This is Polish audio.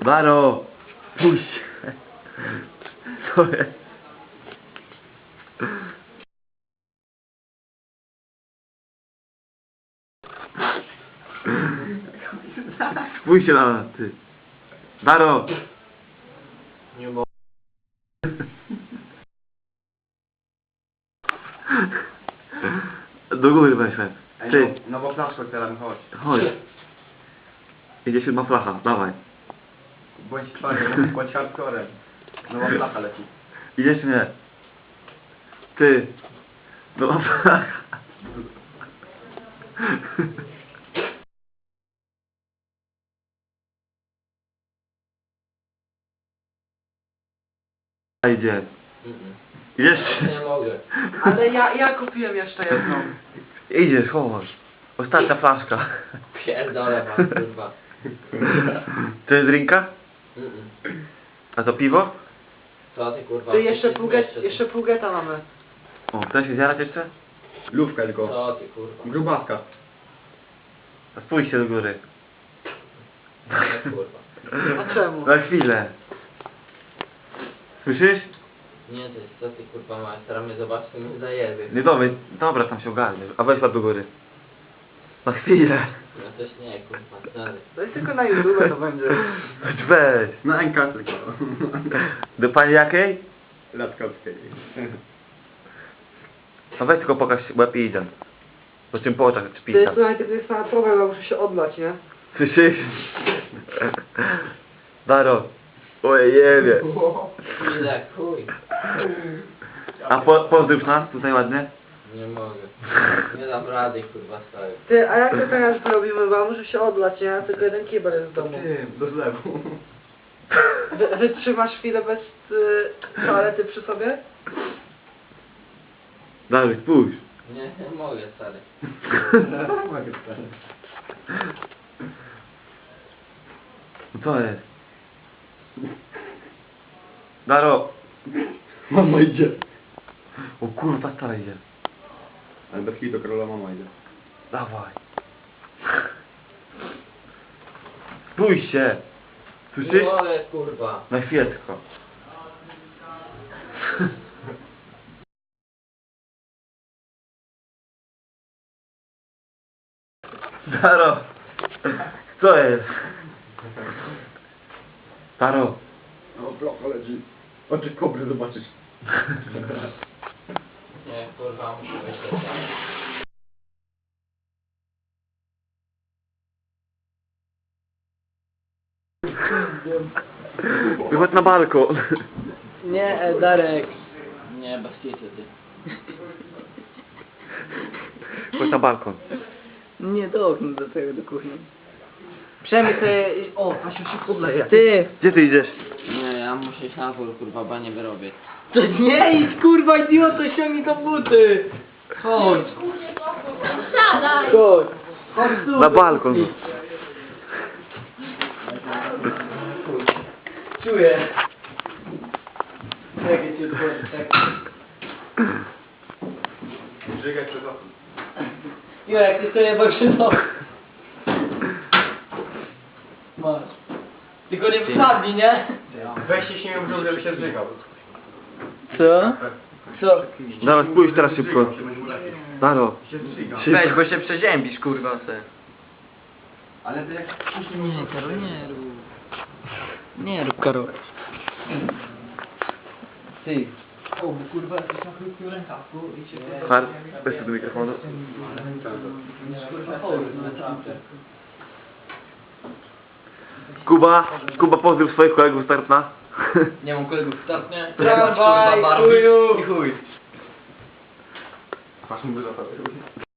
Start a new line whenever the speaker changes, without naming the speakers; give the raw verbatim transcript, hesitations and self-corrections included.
Daro! Puść! Co jest? Spójrz się na nas, ty. Daro!
Nie mogę.
Do góry weźmy. Ty.
No bo flaszkę teraz chodź.
Chodź. Idzie siódma flacha, dawaj.
Bądź twardy, bądź hardcorem. No bo flacha leci.
Idziesz czy nie? Ty. No flacha. Idzie. Idziesz?
Nie mogę.
Ale ja, ja kupiłem jeszcze jedną.
Idziesz, chodź. Ostatnia flaszka.
Pierdolę was, kurwa.
To jest drinka?
Mm-mm.
A to piwo?
Co ty kurwa?
Ty jeszcze
Ty
pół, get,
zmieszczę,
jeszcze pół geta mamy.
O, chcesz się zjarać jeszcze?
Lówka tylko.
Co ty kurwa?
Grubaska.
A spójrzcie do góry.
Nie kurwa.
A czemu?
Na chwilę. Słyszysz?
Nie ty, co ty kurwa masz? Teraz mnie zobaczysz, to mnie zajebie.
Nie dobra, dobra, tam się ogarniesz. A weź łap do góry. Na chwilę.
No też nie kurwa, dalej.
To jest tylko na YouTube to będzie.
Weź.
Na N K tylko.
Do pani jakiej?
Latkowskiej.
No weź tylko pokaż łeb i idę. Po czym po oczach
Ty,
szpita.
słuchaj, to jest sama problem, ja muszę się odlać, nie?
Słyszysz? Daro. Oj, jebie.
Ile chuj.
A po, pozdrów nas tutaj ładnie.
Nie mogę. Nie dam rady kurwa stary.
Ty, a jak to teraz zrobimy, bo ja muszę się odlać, nie? Tylko jeden kibel jest w domu.
Ty, do zlewu.
Wy, wytrzymasz chwilę bez y, toalety przy sobie?
Daro, spójrz.
Nie, nie mogę stary.
Mogę stary.
No co jest? Daro.
Mama idzie.
O kurwa, stara idzie.
Ale bez kitu króla mama idzie.
Dawaj. Spójrz się.
Nie
Słyszysz?
mogę kurwa.
Na chwilę tylko. Daro. Co jest? Daro.
O, bloka leci. Oczy kobry zobaczysz.
Nie kurwa, muszę myśleć.
Wychodź na balkon.
Nie, e, Darek.
Nie, bez kitu ty.
Chodź na balkon.
Nie do okna do tego, do kuchni. Przemyk sobie... O, Asiu się podleje.
Ty! Gdzie ty idziesz?
Nie, ja muszę iść na dwór kurwa, bo nie wyrobię.
To nie idź, kurwa, idioto, ściągnij to buty. Chodź.
Siadaj!
Chodź. Chodź tu.
Na balkon.
Czuję. Jak ja cię odchodzę, tak.
Żygaj przez okno.
Jurek, ty sobie bakrzyno. Masz. Tylko nie wsadni, nie?
Weź się śmieją w brzuch, żeby się zżygał.
Co? Co?
Daro, spójrz teraz szybko. Daro.
Się zżyga.
Szybko.
bo się przeziębisz, kurwa, se.
Ale to jak
Nie, Karol, nie rób. Nie rób, Karol. Ty. O, bo kurwa, jesteś na krótkim rękawku i cię...
Har, weź tu do mikrofonu.
Kurwa, chory, naprawdę.
Kuba, Kuba pozdrów swoich kolegów z Tartna.
Nie mam kolegów startnie.
Tramwaj, chuju.
I chuj.
Masz mu zapalę.